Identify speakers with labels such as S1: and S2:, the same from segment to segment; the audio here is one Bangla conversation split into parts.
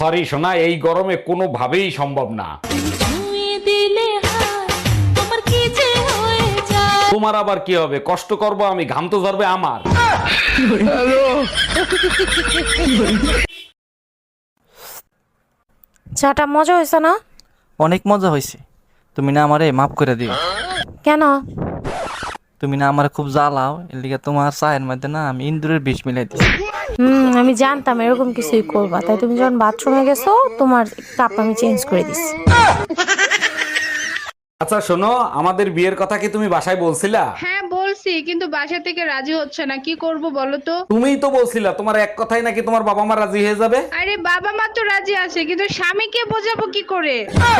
S1: সরি সোনা, এই গরমে কোনোভাবেই সম্ভব না। তোমার আবার কি হবে? কষ্ট করব আমি, ঘাম তো ঝরবে আমার।
S2: চাটা মজা হয়েছে না?
S3: অনেক মজা হয়েছে। তুমি না আমারে মাফ করে দিও।
S2: কেন?
S3: তুমি না আমারে খুব জ্বালাও, এর লিগে তোমার চায়ের মধ্যে না আমি ইন্দুরের বিষ মিলাই দিছি।
S2: আমি জানতাম এরকম কিছুই করবা, তাই তুমি যখন বাথরুমে গেছো তোমার কাপ আমি চেঞ্জ করে দিছি।
S1: আচ্ছা শোনো, আমাদের বিয়ের কথা কি তুমি বাসায় বলছিলা?
S4: হ্যাঁ বলছি, কিন্তু বাসা থেকে রাজি হচ্ছে না, কি করব বলো তো?
S1: তুমিই তো বলছিলা তোমার এক কথাই নাকি তোমার বাবা মা রাজি হয়ে যাবে।
S4: আরে বাবা মা তো রাজি আছে, কিন্তু স্বামীকে বোঝাবো কি করে?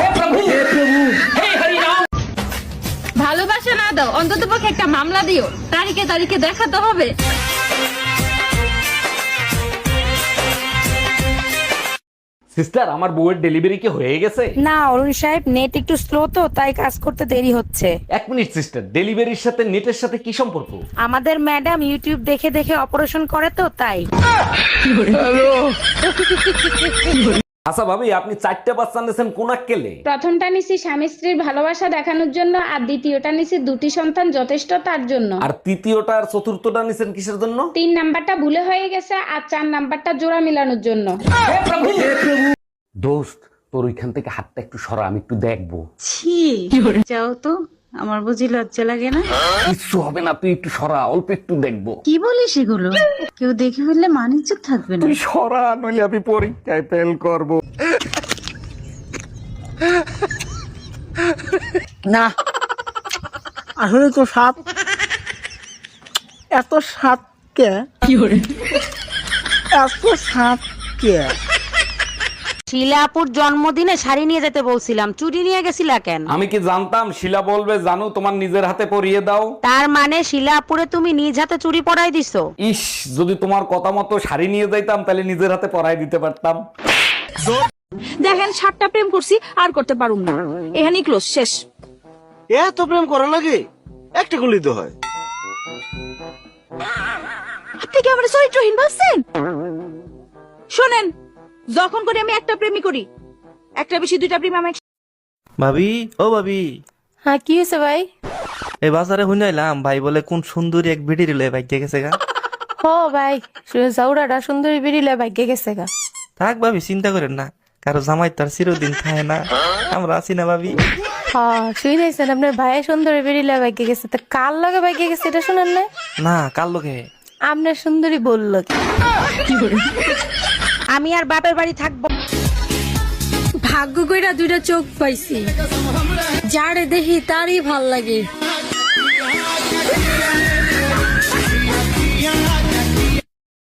S5: ভালোবাসা না দাও, অন্তত পক্ষে একটা মামলা দিও, তারিখে তারিখে দেখাতে হবে।
S1: সিস্টার, আমার বউয়ের ডেলিভারি কি হয়ে গেছে?
S2: না অরুণ সাহেব, নেট একটু স্লো তো তাই কাজ করতে দেরি হচ্ছে।
S1: এক মিনিট সিস্টার, ডেলিভারির সাথে নেটের সাথে কি সম্পর্ক?
S2: আমাদের ম্যাডাম ইউটিউব দেখে দেখে অপারেশন করে তো তাই।
S1: আচ্ছা ভাবি, আপনি 4টা বাচ্চা নিয়েছেন কোন আক্কেলে?
S4: প্রথমটা নিছি স্বামী স্ত্রীর ভালোবাসা দেখানোর জন্য, আর দ্বিতীয়টা নিছি 2টি সন্তান যথেষ্ট তার জন্য।
S1: আর তৃতীয়টা আর চতুর্থটা নিছেন কিসের জন্য?
S4: 3 নাম্বারটা ভুলে হয়ে গেছে, আর 4 নাম্বারটা জোড়া মিলানোর জন্য।
S1: দোস্ত, তোর ওইখান থেকে হাতটা একটু সরা, আমি একটু দেখবো।
S6: ছি, যাও তো, আমার বুঝি লজ্জা লাগে না?
S1: কিচ্ছু হবে না, তুই একটু সরা, অল্প একটু দেখবো।
S6: কি বলিস এগুলো? কেউ দেখে ফেললে মানিজ্য থাকবে না।
S1: তুই সরা, নইলে আমি পরীক্ষায় ফেল করব।
S7: না, আসলে তো সাপ, এত সাপকে এত সাপকে
S2: শিলাপুর জন্মদিনে শাড়ি নিয়ে যেতে বলছিলাম, চুরি নিয়ে গেছিলা কেন?
S1: আমি কি জানতাম শিলা বলবে জানু তোমার নিজের হাতে পরিয়ে দাও।
S2: তার মানে শিলাপুরে তুমি নিজ হাতে চুরি পরাই দিছো?
S1: ইস, যদি তোমার কথা মতো শাড়ি নিয়ে যাইতাম তাহলে নিজের হাতে পরাই দিতে পারতাম।
S5: দেখেন 7টা প্রেম করছি, আর করতে পারুম না, এখানেই ক্লোজ, শেষ।
S8: এত প্রেম করা লাগে? একটা গুলি তো হয়।
S5: আপনি কি আমার চরিত্রহীন ভাবছেন? শোনেন, যখন করে আমি একটা প্রেমই করি, একটা বেশি 2টা প্রেম আমি।
S3: ভাবি, ও ভাবি,
S2: হ্যাঁ কি হয়েছে ভাই?
S3: এই বাজারে শুনাইলাম ভাই বলে কোন সুন্দরী এক ভিডি রিলে ভাগ্যে গেছে গা।
S2: ও ভাই, জাউরাটা সুন্দরী বেরিলে ভাগ্যে গেছে গা।
S3: থাক ভাবি, চিন্তা করেন না, কারো জামাই তার চিরদিন থাকে না, আমরা আছি না ভাবি।
S2: হ্যাঁ শুনেছেন, আপনার ভাই সুন্দরী বেরিলে ভাগ্যে গেছে, তা কার লগে ভাগ্যে গেছে এটা শুনেন না?
S3: না, কার লোকে?
S2: আপনার সুন্দরী বললো কি? আমি আর বাপের বাড়ি থাকবো।
S5: ভাগ্য কইরা 2টা চোখ পাইছি, যারে দেখি তারই ভাল লাগে।